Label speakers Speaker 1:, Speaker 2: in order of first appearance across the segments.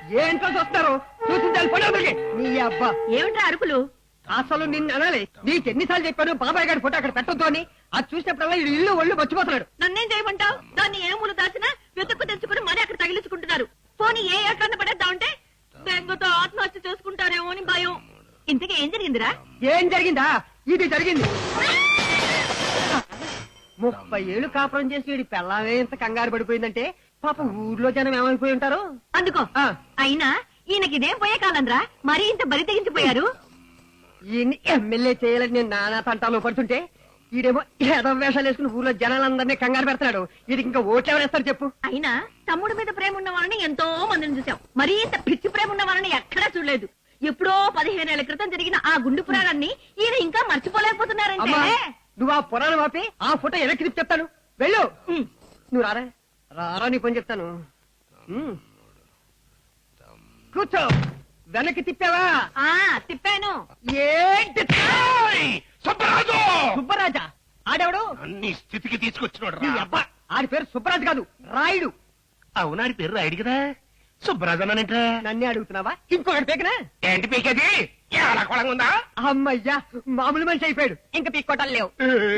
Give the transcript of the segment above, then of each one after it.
Speaker 1: ఏంటో చూస్తారు చూసించాలి పడవలకి నీ అబ్బా.
Speaker 2: ఏమిట్రా అరుపులు?
Speaker 1: అసలు నిన్ను అనాలి. నీకు ఎన్నిసార్లు చెప్పాను బాబాయ్ గారి ఫోటో అక్కడ పెట్టొద్దు అని. అది చూసినప్పుడల్లా ఇల్లు ఒళ్ళు మర్చిపోతున్నాడు.
Speaker 2: నన్నేం చేయమంటావు? దాన్ని ఏ మూలు దాచినా వెతుక్కు తెచ్చుకుని మరీ అక్కడ తగిలించుకుంటున్నారు. పోనీ ఏ ఏట్లన్న పడేద్దామంటే బెంగతో ఆత్మహత్య చేసుకుంటారేమో అని భయం. ఇంతకీ ఏం జరిగిందిరా?
Speaker 1: ఏం జరిగిందా? ఇది జరిగింది. 30 ఏళ్ళు కాపురం చేసి వీడి పెళ్ళామే ఇంత కంగారు పడిపోయిందంటే పాప ఊర్లో జనం ఏమైపోయి ఉంటారు.
Speaker 2: అందుకో అయినా ఈయనకి ఇదేం పోయే కాలంరా, మరీ ఇంత బరి తెగించిపోయారు.
Speaker 1: ఈయన్ని ఎమ్మెల్యే చేయాలని నేను నానా తంటాలో పడుతుంటే ఈడేమో ఏదో వేషాలు వేసుకుని ఊర్లో జనాలందరినీ కంగారు పెడతాడు. వీడికి ఇంకా ఓట్లు ఎవరేస్తారు చెప్పు?
Speaker 2: అయినా తమ్ముడి మీద ప్రేమ ఉన్న వాళ్ళని ఎంతో మందిని చూసాం, మరీ ఇంత పిచ్చి ప్రేమ ఉన్న వాళ్ళని ఎక్కడా చూడలేదు. ఎప్పుడో 15 ఏళ్ల క్రితం జరిగిన ఆ గుండు పురాణాన్ని ఈయన ఇంకా మర్చిపోలేకపోతున్నారంటే.
Speaker 1: నువ్వు ఆ పురాణం ఆపి ఆ ఫోటో వెనక్కి తిప్పి చెప్తాను. వెళ్ళు. నువ్వు రారా రారా నీ పని చెప్తాను. కూర్చో. వెనక్కి తిప్పావా?
Speaker 2: తిప్పాను.
Speaker 1: ఏంటి
Speaker 3: సుబ్బరాజు?
Speaker 1: సుబ్బరాజా? ఆడెవడు?
Speaker 3: అన్ని స్థితికి తీసుకొచ్చినోడు.
Speaker 1: ఆడి పేరు సుబ్బరాజు కాదు, రాయుడు.
Speaker 3: అవునాడి పేరు రాయుడు కదా. సుబ్బరాజు అన్నానంట.
Speaker 1: నన్నే అడుగుతున్నావా? ఇంకొకటి పీకనా?
Speaker 3: ఏంటి పీకేది? ఎలా కొలంగా ఉందా?
Speaker 1: అమ్మయ్యా, మామూలు మనిషి అయిపోయాడు. ఇంకా పీక్కోటాలు లేవు.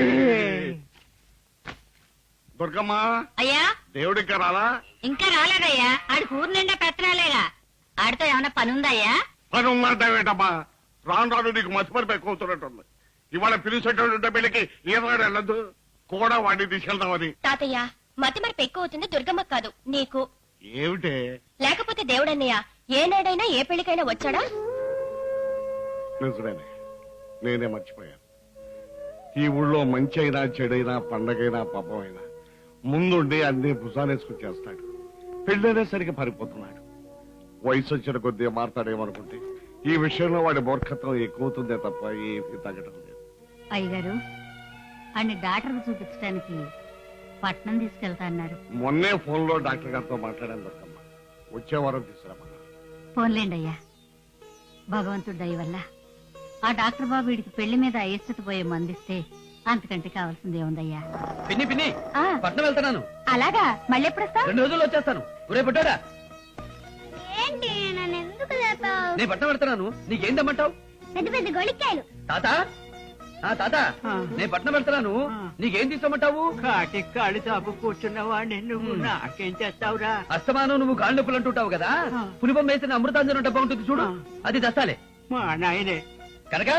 Speaker 3: దుర్గమ్మ,
Speaker 2: అయ్యా
Speaker 3: దేవుడు ఇంకా రాలా?
Speaker 2: ఇంకా రాలేదయ్యా. ఆడి ఊరు నిండా పెత్తనాలేగా. ఆడితో ఏమైనా పని ఉందయ్యా?
Speaker 3: పని ఉందంటావేంటమ్మా? రాను రాను నీకు మతిపరిపై కూతున్నట్టుంది. ఇవాళ పిలిచేటటువంటి పెళ్లికి ఏనాడు వెళ్ళదు కూడా వాడిని తీసుకెళ్దామని.
Speaker 4: తాతయ్య, మతి మరపు ఎక్కువ అవుతుంది దుర్గమ్మ కాదు నీకు.
Speaker 3: ఏమిటే?
Speaker 4: లేకపోతే దేవుడన్నయ్య ఏనాడైనా ఏ పెళ్లికైనా వచ్చాడా?
Speaker 3: నిజమేనే, నేనే మర్చిపోయాను. ఈ ఊళ్ళో మంచి అయినా చెడైనా పండగైనా పాపమైనా ముందుండి అన్ని భుజానేసుకుని చేస్తాడు. పెళ్ళైనా సరిగ్గా పారిపోతున్నాడు. వయసు వచ్చిన కొద్దీ మారతాడేమనుకుంటే ఈ విషయంలో వాడి మూర్ఖత్వం ఎక్కువవుతుందే తప్ప ఏమీ తగ్గడం లేదు.
Speaker 2: అయ్యగారు, అన్ని డాక్టర్కి చూపించడానికి పట్నం తీసుకెళ్తా అన్నారు.
Speaker 3: మొన్నే ఫోన్ లో డాక్టర్ గారితో మాట్లాడాను దొరకమ్మ. వచ్చే వారం తీసుకురామన్నారు.
Speaker 2: ఫోన్లేండి అయ్యా. భగవంతుడి దయ వల్ల ఆ డాక్టర్ బాబు వీడికి పెళ్లి మీద అయిష్టత పోయే మందిస్తే అంతకంటే కావాల్సింది ఏముందయ్యా.
Speaker 1: పిన్ని పిన్ని, పట్నం వెళ్తున్నాను.
Speaker 2: అలాగా? మళ్ళీ ఎప్పుడు వస్తా?
Speaker 1: 2 రోజుల్లో వచ్చేస్తాను. ఒరే పుట్టాడా,
Speaker 4: ఏంటి నన్ను ఎందుకు లేపావు?
Speaker 1: నేను పట్నం వెళ్తున్నాను. నీకేం తెమ్మంటావు?
Speaker 4: పెద్ద పెద్ద గొలికాయలు.
Speaker 1: తాత, తాత, నేను పట్నం వెళ్తున్నాను. నీకేం తీసుకోమంటావు?
Speaker 5: కాటి కాళ్ళు తాపు కూర్చున్న వాడిని నువ్వు నాకేం చేస్తావురా?
Speaker 1: అస్తమానం నువ్వు కాళ్ళు నొప్పులు అంటుంటావు కదా. పులిపం వేసిన అమృతాంజనం డబ్బా ఉంటుంది చూడు, అది దస్తాలే.
Speaker 5: మా నాయనే.
Speaker 1: కనుక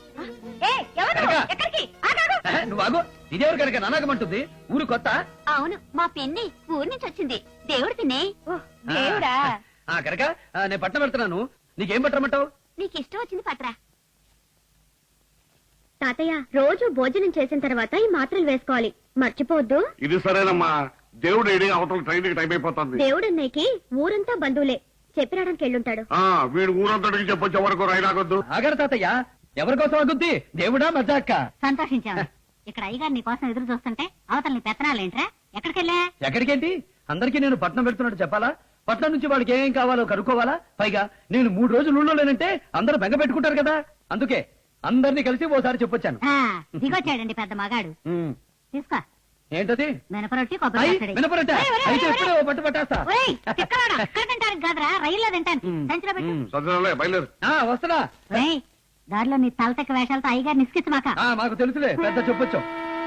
Speaker 1: నువ్వు ఆగు. ఇదేవరు కనుక నానాగమంటుంది? ఊరు కొత్త?
Speaker 4: అవును, మా పిన్ని ఊరి నుంచి వచ్చింది. దేవుడు పిన్ని. దేవుడా?
Speaker 1: కనుక నేను పట్నం వెళ్తున్నాను. నీకేం పట్టమంటావు?
Speaker 4: నీకు ఇష్టం వచ్చింది పట్రా. తాతయ్య, రోజు భోజనం చేసిన తర్వాత ఈ మాత్రలు వేసుకోవాలి, మర్చిపోవద్దు.
Speaker 3: ఇది సరేనమ్మా. దేవుడు ఏడి అవతల ట్రైన్ టైం అయిపోతుంది.
Speaker 4: దేవుడన్నయ్యకి ఊరంతా బంధువులే, చెప్పిరాడానికి వెళ్ళుంటాడు.
Speaker 3: వీడు ఊరంతటికి చెప్పొచ్చే వరకు రైలాగొద్దు.
Speaker 1: ఆగరు తాతయ్య, ఎవరి కోసం ఆగుద్ది? దేవుడా మజాక్క?
Speaker 2: సంతోషించాము. ఇక్కడ అయ్యగారు నీ కోసం ఎదురు చూస్తుంటే అవతల నీ పెత్తనాలేంట్రా? ఎక్కడికెళ్ళా?
Speaker 1: ఎక్కడికేంటి? అందరికీ నేను పట్నం పెడుతున్నట్టు చెప్పాలా? పట్నం నుంచి వాడికి ఏం కావాలో కనుక్కోవాలా? పైగా నేను 3 రోజులు ఊళ్ళో లేనంటే అందరూ బెంగ పెట్టుకుంటారు కదా. అందుకే అందరినీ కలిసి ఓసారి చెప్పొచ్చాను.
Speaker 2: దిగొచ్చాడండి పెద్ద మగాడు. తీసుకో.
Speaker 1: ఏంటది?
Speaker 2: మినపరొట్టి కొబ్బరి పచ్చడి.
Speaker 1: మినపరొట్ట అయితే ఎప్పుడో పట్టు పట్టేస్తా.
Speaker 2: తింటానికి కాదురా, రైల్లో తింటాను. సంచిలో పెట్టు.
Speaker 3: బయలుదేరు.
Speaker 1: వస్తున్నా.
Speaker 2: దారిలో నీ తలతెక్క వేషాలతో అయ్యగారు నిస్కిచ్చు మాక.
Speaker 1: మాకు తెలుసులే, పెద్ద చెప్పొచ్చు.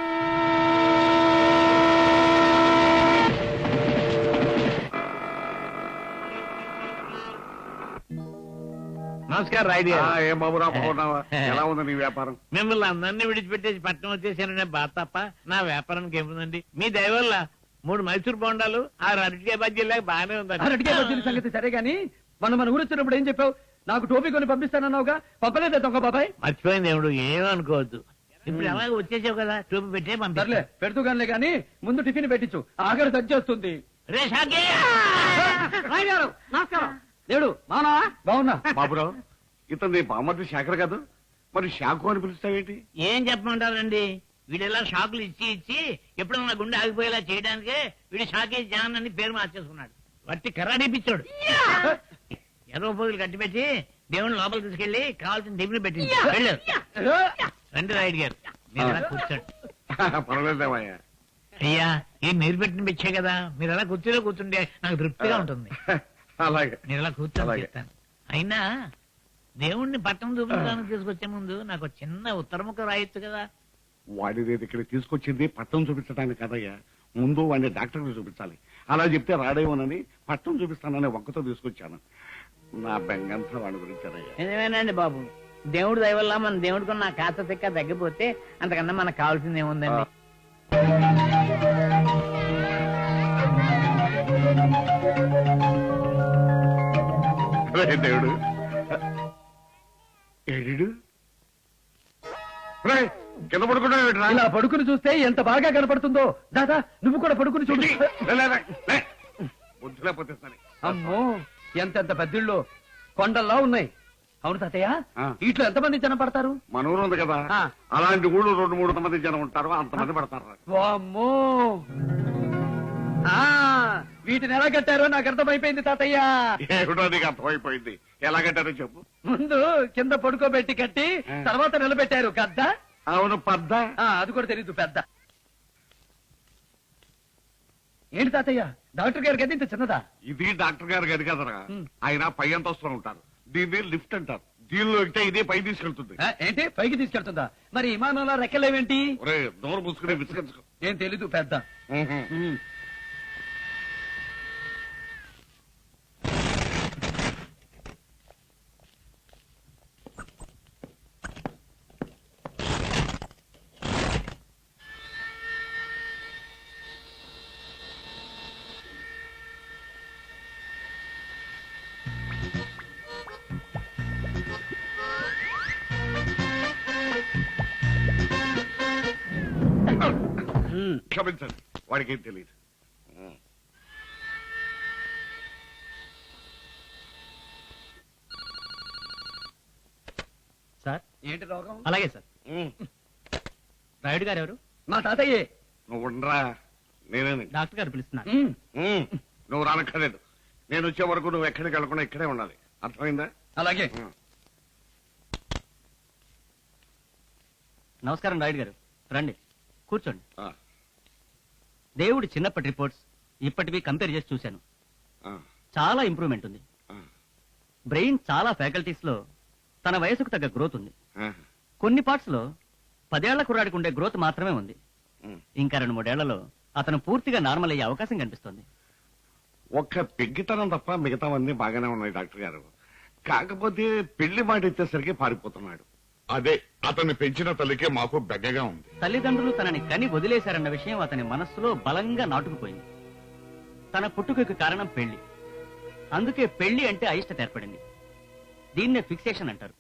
Speaker 6: నమస్కారం రాయుడు.
Speaker 3: ఏం బాబురా, బాగున్నావా? ఎలా ఉంది నీ వ్యాపారం?
Speaker 6: మిమ్మల్ని అందరినీ విడిచిపెట్టేసి పట్నం వచ్చేసాననే బాధ తప్ప నా వ్యాపారానికి ఏముందండి. మీ దయ వల్ల 3 మైసూర్ బొండాలు, 6 అరటికాయ బజ్జీలాగా బాగానే ఉందండి.
Speaker 1: అరటికాయ బజ్జీల సంగతి సరే గాని, మన ఊరు వచ్చినప్పుడు ఏం చెప్పావు? నాకు టోపీ కొని పంపిస్తానన్నావుగా, పంపలేదే దొంగ బాబాయ్?
Speaker 6: మర్చిపోయింది దేవుడు, ఏమనుకోవద్దు. ఇప్పుడు అలాగే వచ్చేసావు కదా, టోపీ పెట్టే పంపిస్తాలే.
Speaker 1: పెడుతూ గానిలే గాని ముందు టిఫిన్ పెట్టించు, ఆఖరి తగ్గేస్తుంది.
Speaker 6: రే షాకే,
Speaker 1: నమస్కారం. దేవుడు బాగున్నావా? బాగున్నా.
Speaker 3: బాబురావు, ఇతను నీ బామ్మర్ది శేఖర్ కాదు, మరి షాకు అని పిలుస్తావేంటి?
Speaker 6: ఏం చెప్పమంటారండి, వీడెలా షాకులు ఇచ్చి ఇచ్చి ఎప్పుడన్నా గుండె ఆగిపోయేలా చేయడానికే వీడు షాకే జాన్ అని పేరు మార్చేసుకున్నాడు. వట్టి కర్రాడిపిచ్చాడు. ఎర్ర పోగులు కట్టిపెట్టి దేవుని లోపలికి తీసుకెళ్లి కావాల్సిన టిఫిన్ పెట్టింది. రండి రాయుడు గారు, మీరు ఎలా కూర్చోండి.
Speaker 3: పర్వాలేదేమయ్యా.
Speaker 6: అయ్యా, ఏం మీరు పెట్టిన పిచ్చే కదా, మీరు అలా కూర్చోలో కూర్చుంటే నాకు తృప్తిగా ఉంటుంది.
Speaker 3: అలాగే
Speaker 6: నేను ఇలా కూర్చొని
Speaker 3: అలాగే.
Speaker 6: చెప్తాను. అయినా దేవుణ్ణి పట్టణం చూపించడానికి తీసుకొచ్చే ముందు నాకు ఒక చిన్న ఉత్తరముఖ రాయొచ్చు కదా.
Speaker 3: వాడిది ఇక్కడ తీసుకొచ్చింది పట్టణం చూపించడానికి కదయ్యా, ముందు వాడిని డాక్టర్కి చూపించాలి. అలా చెప్తే రాడేమోనని పట్టణం చూపిస్తానని వంకతో తీసుకొచ్చాను. నా బెంగంతా వాడి గురించానయ్యా.
Speaker 5: నిజమేనండి బాబు, దేవుడి దయ వల్ల మన దేవుడికి నా కాస్త తిక్క తగ్గిపోతే అంతకన్నా మనకు కావాల్సింది ఏముందండి.
Speaker 3: రే దేవుడు ఏడు కింద పడుకుంటా
Speaker 1: ఇలా పడుకుని చూస్తే ఎంత బాగా కనపడుతుందో. దాదా నువ్వు కూడా పడుకుని చూడు.
Speaker 3: బుద్ధి లేకపోతే సరే.
Speaker 1: అమ్మో ఎంతెంత పెద్దిళ్ళు కొండల్లా ఉన్నాయి. అవును తాతయ్య,
Speaker 3: ఆ.
Speaker 1: ఇట్లా ఎంతమంది జనం పడతారు?
Speaker 3: మన ఊరు ఉంది కదా,
Speaker 1: ఆ.
Speaker 3: అలాంటి ఊళ్ళు 2-3 మంది జనం ఉంటారు, అంతమంది పడతారు.
Speaker 1: వామ్మో ఆ, వీటిని ఎలా కట్టారో నాకు అర్థమైపోయింది తాతయ్య.
Speaker 3: ఏమిటో నీకు అర్థమైపోయింది. ఎలాగంటారో చెప్పు.
Speaker 1: ముందు కింద పడుకోబెట్టి కట్టి
Speaker 3: ఆ.
Speaker 1: తర్వాత నిలబెట్టారు గద్ద.
Speaker 3: అవును పద్ద.
Speaker 1: అది కూడా తెలీదు పెద్ద. ఏంటి తాతయ్య, డాక్టర్ గారి గది ఇంత చిన్నదా?
Speaker 3: ఇది డాక్టర్ గారు గది కదరా,
Speaker 1: ఉమ్.
Speaker 3: ఆయన పై అంతస్తులో ఉంటారు. దీన్ని లిఫ్ట్ అంటారు. దీనిలో ఎక్కితే ఇదే పై తీసుకెళ్తుంది.
Speaker 1: ఏంటి పైకి తీసుకెళ్తుందా? మరి విమానంలో రెక్కలేవేంటి?
Speaker 3: ఒరే నోరు మూసుకునే విసిగించుకో.
Speaker 1: ఏం తెలీదు పెద్ద. ఉమ్.
Speaker 3: క్షమించండి, వాడికి ఏం తెలియదు.
Speaker 7: సార్
Speaker 1: ఏంటి రోగం?
Speaker 7: అలాగే సార్.
Speaker 3: ఉమ్.
Speaker 7: రాయుడు గారు ఎవరు?
Speaker 1: మా తాతయ్యే.
Speaker 3: నువ్వు ఉండరా, నేనే.
Speaker 7: డాక్టర్ గారు పిలుస్తున్నారు.
Speaker 3: నువ్వు రానక్కర్లేదు. నేను వచ్చే వరకు నువ్వు ఎక్కడికి వెళ్ళకుండా ఇక్కడే ఉండాలి, అర్థమైందా?
Speaker 1: అలాగే.
Speaker 3: ఉమ్.
Speaker 7: నమస్కారం రాయుడు గారు, రండి కూర్చోండి.
Speaker 3: ఆ,
Speaker 7: దేవుడి చిన్నప్పటి రిపోర్ట్స్ ఇప్పటివి కంపేర్ చేసి చూశాను.
Speaker 3: ఆ,
Speaker 7: చాలా ఇంప్రూవ్మెంట్ ఉంది.
Speaker 3: ఆ,
Speaker 7: బ్రెయిన్ చాలా ఫ్యాకల్టీస్ లో తన వయసుకు తగ్గ గ్రోత్ ఉంది.
Speaker 3: ఆ,
Speaker 7: కొన్ని పార్ట్స్ లో 10 ఏళ్ల కుర్రాడికి ఉండే గ్రోత్ మాత్రమే ఉంది.
Speaker 3: ఉమ్.
Speaker 7: ఇంకా 2-3 ఏళ్లలో అతను పూర్తిగా నార్మల్ అయ్యే అవకాశం కనిపిస్తుంది.
Speaker 3: ఒక్క పెగ్గితనం తప్ప మిగతావన్నీ బాగానే ఉన్నాయి డాక్టర్ గారు. కాకపోతే పెళ్లి మాట ఇచ్చేసరికి పారిపోతున్నాడు.
Speaker 8: అదే అతన్ని పెంచిన తల్లికే మాకు బెగ్గగా ఉంది.
Speaker 7: తల్లిదండ్రులు తనని కని వదిలేశారన్న విషయం అతని మనస్సులో బలంగా నాటుకుపోయింది. తన పుట్టుకకు కారణం పెళ్లి. అందుకే పెళ్లి అంటే అయిష్టత ఏర్పడింది. దీన్నే ఫిక్సేషన్ అంటారు.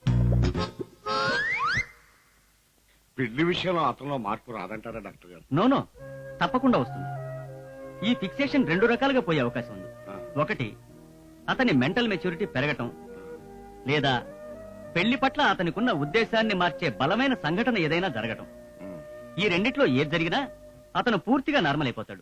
Speaker 3: పెళ్లి విషయంలో అతనిలో మార్పు రాదంటారా డాక్టర్ గారు?
Speaker 7: నోనో, తప్పకుండా వస్తుంది. ఈ ఫిక్సేషన్ 2 రకాలుగా పోయే అవకాశం ఉంది.
Speaker 3: ఆ.
Speaker 7: ఒకటి, అతని మెంటల్ మెచ్యూరిటీ పెరగటం, లేదా పెళ్లి పట్ల అతనికున్న ఉద్దేశాన్ని మార్చే బలమైన సంఘటన ఏదైనా జరగటం.
Speaker 3: ఉమ్.
Speaker 7: ఈ రెండిట్లో ఏది జరిగినా అతను పూర్తిగా నార్మల్ అయిపోతాడు.